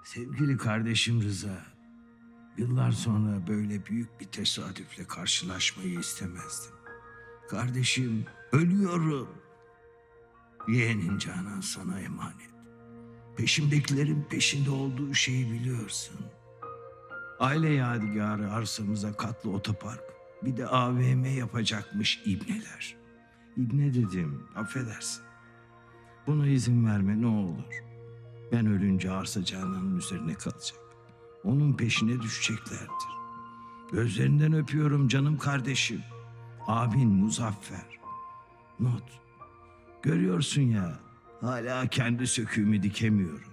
Sevgili kardeşim Rıza, yıllar sonra böyle büyük bir tesadüfle karşılaşmayı istemezdim. Kardeşim, ölüyorum. Yeğenin Canan sana emanet. Peşimdekilerin peşinde olduğu şeyi biliyorsun. Aile yadigarı arsamıza katlı otopark, bir de AVM yapacakmış ibneler. İbne dedim, affedersin. Buna izin verme ne olur. Ben ölünce arsa Canan'ın üzerine kalacak. Onun peşine düşeceklerdir. Gözlerinden öpüyorum canım kardeşim. Abin Muzaffer. Not. Görüyorsun ya, hala kendi söküğümü dikemiyorum.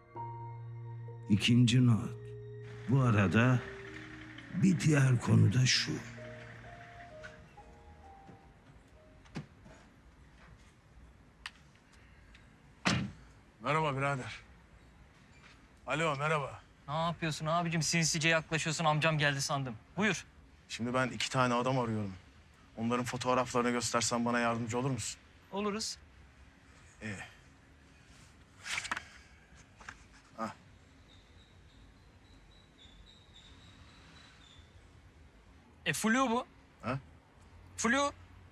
İkinci not. Bu arada bir diğer konu da şu. Merhaba birader. Alo merhaba. Ne yapıyorsun abicim? Sinsice yaklaşıyorsun. Amcam geldi sandım. Buyur. Şimdi ben 2 tane adam arıyorum. Onların fotoğraflarını göstersen bana yardımcı olur musun? Oluruz. İyi. Ha. Flu bu. Ha? Flu.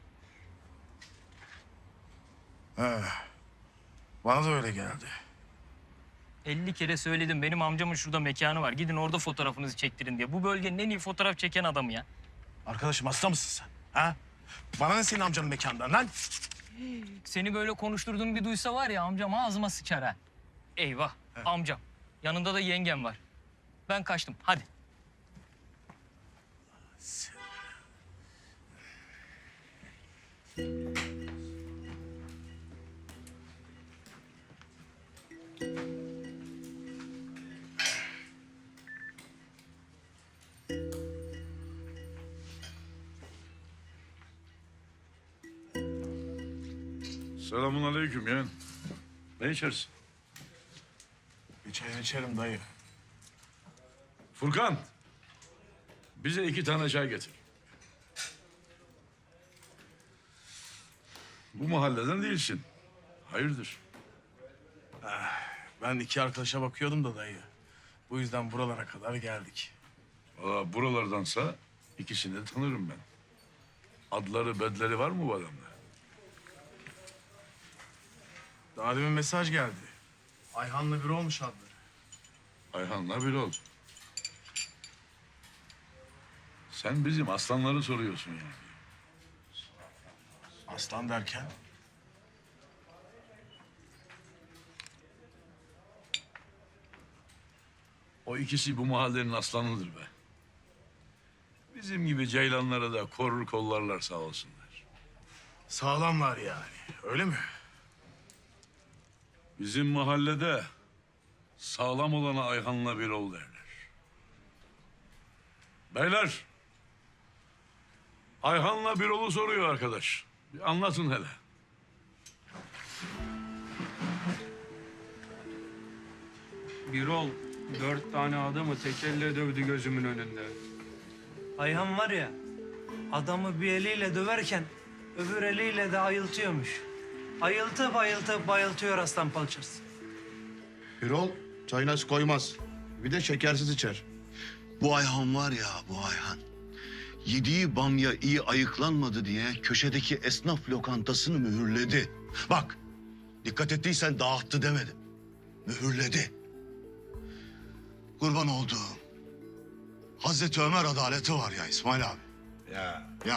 He. Bana da öyle geldi. 50 kere söyledim. Benim amcamın şurada mekanı var. Gidin orada fotoğrafınızı çektirin diye. Bu bölgenin en iyi fotoğraf çeken adamı ya. Arkadaşım hasta mısın sen? Ha? Bana ne senin amcanın mekanından lan? Seni böyle konuşturduğum bir duysa var ya amcam ağzıma sıçar ha. Eyvah amcam. Yanında da yengem var. Ben kaçtım. Hadi. Selamun aleyküm yeğen. Ne içersin? Bir çay içerim dayı. Furkan, bize 2 tane çay getir. Bu mahalleden değilsin. Hayırdır? Ben 2 arkadaşa bakıyordum da dayı. Bu yüzden buralara kadar geldik. Valla buralardansa ikisini de tanırım ben. Adları, bedleri var mı bu adamda? Daha demin mesaj geldi. Ayhan'la biri olmuş adları. Ayhan'la bir ol. Sen bizim aslanları soruyorsun yani. Aslan derken? O ikisi bu mahallenin aslanıdır be. Bizim gibi ceylanlara da korur kollarlar sağ olsunlar. Sağlamlar yani. Öyle mi? Bizim mahallede sağlam olana Ayhan'la bir ol derler. Beyler, Ayhan'la bir olu soruyor arkadaş. Bir anlatın hele. Birol 4 tane adamı tek elle dövdü gözümün önünde. Ayhan var ya, adamı bir eliyle döverken öbür eliyle de ayıltıyormuş. Ayıltıp ayıltıp bayıltıyor aslan palçası. Birol çayına su koymaz. Bir de şekersiz içer. Bu Ayhan var ya, bu Ayhan. Yediği bamya iyi ayıklanmadı diye köşedeki esnaf lokantasını mühürledi. Bak, dikkat ettiysen dağıttı demedim. Mühürledi. Kurban olduğum. Hazreti Ömer adaleti var ya İsmail abi. Ya. Ya.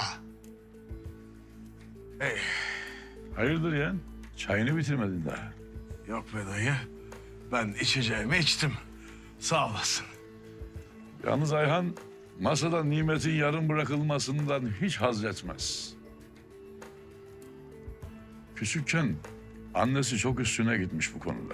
Hey. Hayırdır yeğen? Çayını bitirmedin daha. Yok be dayı. Ben içeceğimi içtim. Sağ olasın. Yalnız Ayhan masada nimetin yarım bırakılmasından hiç haz etmez. Küçükken annesi çok üstüne gitmiş bu konuda.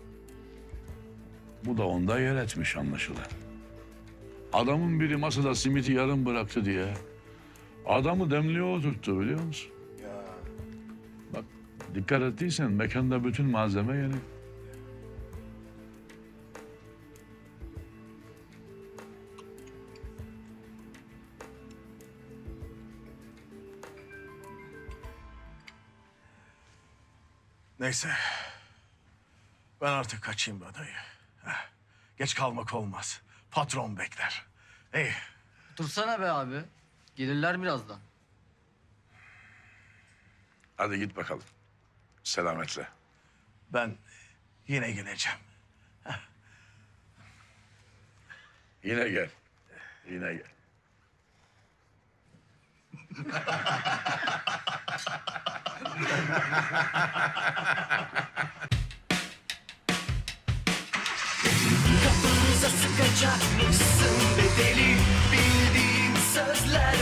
Bu da onda yer etmiş anlaşılan. Adamın biri masada simiti yarım bıraktı diye adamı demliğe oturttu biliyor musun? Ya. Bak dikkat ettiysen mekanda bütün malzeme yeni. Neyse. Ben artık kaçayım be dayı. Heh. Geç kalmak olmaz. Patron bekler. Ey, Dursana be abi. Gelirler birazdan. Hadi git bakalım. Selametle. ben yine geleceğim. Yine gel. Yine gel. Kapınıza sıkacakmışsın bedeli. Bildiğim sözler